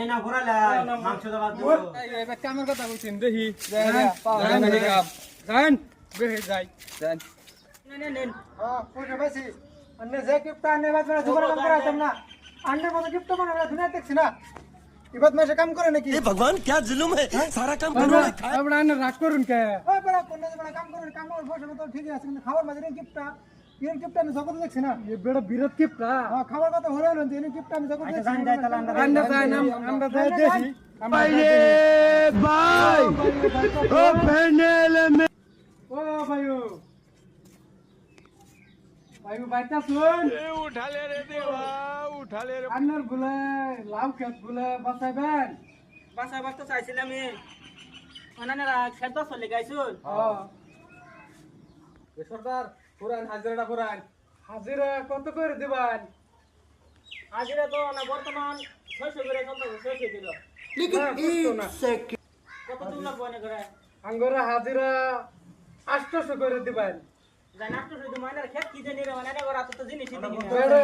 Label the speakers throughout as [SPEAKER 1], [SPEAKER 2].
[SPEAKER 1] না ঘোরালে মাংস দাও দিব
[SPEAKER 2] এবার কামের কথা কইছেন দেখি যান বেহে যাই যান
[SPEAKER 1] নেন
[SPEAKER 2] হ্যাঁ পয়সা বেশি अन्य जे गिफ्ट आने बाद में दोबारा काम करा तुम ना अन्य को गिफ्ट बना रहा दुनिया देखছি না ইবাদ মাসে কাম করে নাকি
[SPEAKER 3] ये भगवान क्या जुल्म है सारा काम करने
[SPEAKER 2] খায় আমরা না রাগ করুন কে ওই বড় কোন বড় কাম করুন কাম করে পয়সা তো ঠিক আছে কিন্তু খাবার মাঝে গিফটটা ইন গিফট আমি জগৎ দেখছি না এই বড় বিরত গিফট হ্যাঁ খাবার কথা হলো না ইন গিফট আমি জগৎ দেখছি জান যায় তাহলে আমরা যাই না আমরা যাই দেখি
[SPEAKER 3] भाई ओ पैनल में
[SPEAKER 2] ও ভাইও भाई बाइटा सुन
[SPEAKER 3] उठा ले रे देवा उठा ले रे
[SPEAKER 2] अन्नर बुले लाव खेत बुले बसाइबेन
[SPEAKER 1] বাসা বাসা চাইছিলাম আমি অনানেরা খেত চলে গাইছুন
[SPEAKER 2] সরদার পুরান হাজিরাটা পুরান হাজিরা কত করে দিবেন
[SPEAKER 1] হাজিরা তো না বর্তমান 600 করে চলতে 600 দিল কত দিন লাগবে না করে
[SPEAKER 2] আঙ্গরা হাজিরা 800 করে দিবেন
[SPEAKER 1] জান 800 দিন মানে খেত কি জানি রে মানে ওরা তো জিনিসই দিই না
[SPEAKER 2] বেড়ে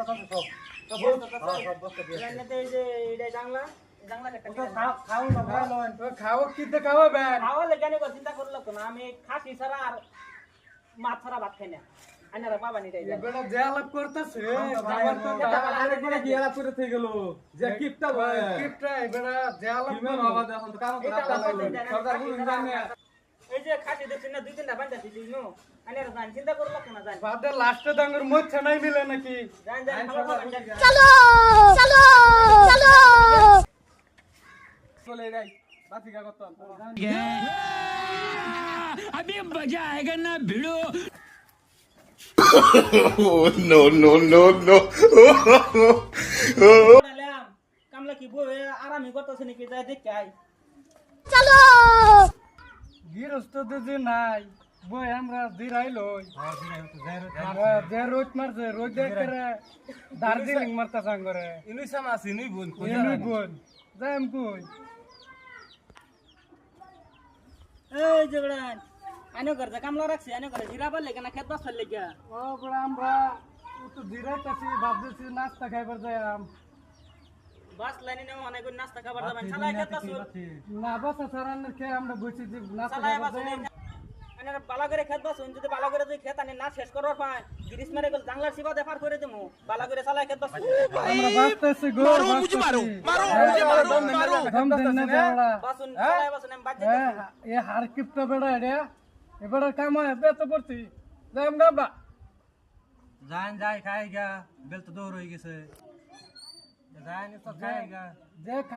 [SPEAKER 1] জানতে এই যে এটা জাংলা জাংলা কাটা
[SPEAKER 2] খাও না ভালো খাও কি তে খাওয়াবেন
[SPEAKER 1] খাওয়া লেগে নিয়ে চিন্তা করলো তো না আমি খাসি ছাড়া আর মাছ ছাড়া ভাত খাই না আনারা বাবা নিটাই যায়
[SPEAKER 2] বেড়া জেলাপ করতেছে যাবার তো আরেকবার গিয়ালা করে থেকে গেল যে কিপটা ভাই কিপটা বেড়া জেলাপ কি বাবা এখন তো কাম সরকার বলুন জানে
[SPEAKER 1] এই যে খাসি দেখছেন না দুই তিনটা বান্ধা দিলি নো আনারা জান চিন্তা করলো না জান
[SPEAKER 2] বাদে লাস্টে ডাঙ্গর মধ্যে নাই মিলে নাকি
[SPEAKER 1] জান জান খাওয়া
[SPEAKER 4] चलो चलो चलो
[SPEAKER 2] চলে যাই বাতিকা করতাম
[SPEAKER 3] अभी मजा आएगा ना भिड़ो
[SPEAKER 5] no, no, no, no.
[SPEAKER 1] বললাম কামলা কি বই আরামই করতেছে নাকি যাই দেখতে আই
[SPEAKER 4] चलो
[SPEAKER 2] গিরস্ত যে নাই বই আমরা জিরাই লই যে রোজ মারছে রোজ করে দার্জিলিং মারতা সাঙ্গরে
[SPEAKER 3] इनुई समास इनुई बोन
[SPEAKER 2] ইনুই বোন যাইম কই
[SPEAKER 1] এই জগড়ান আনো ঘরটা কামলা রাখছি আনো ঘরে জিরা বললে কেন খেত বাস ফেললে গিয়া
[SPEAKER 2] ও বড় আমরা তো জিরাইতাছি ভাবতেছি নাস্তা খাইবার যাইম
[SPEAKER 1] বাস লাইনে নেও অনেক নাস্তা খাবার দাবেন চালাই খেত বাস
[SPEAKER 2] না বাসা সারানোর খেয়ে আমরা বসে যে নাস্তা
[SPEAKER 1] চালাই
[SPEAKER 2] খাইবার
[SPEAKER 1] বাস
[SPEAKER 2] যাইম
[SPEAKER 1] আনারা বালা করে খেত বাস যদি বালা করে যদি খেত আনে না শেষ করবার পায় গিরিশ মেরে গেল জাংলার সিবা দেফার করে দেমু বালা করে চালাই খেত বাস
[SPEAKER 2] আমরা বাসতেছি গো মারো মুঝে মারো মারো দম দেন না যাওড়া
[SPEAKER 1] বাসুন চালাই বাসুন আমি বাজে
[SPEAKER 2] এ হার কিপটা বেড়া রে এবারে কাম হয় বেত পড়ছি যাইম গাবা
[SPEAKER 6] जान जाए खाएगा बेल तो दो हो गए से जाए नहीं तो खाएगा
[SPEAKER 2] যে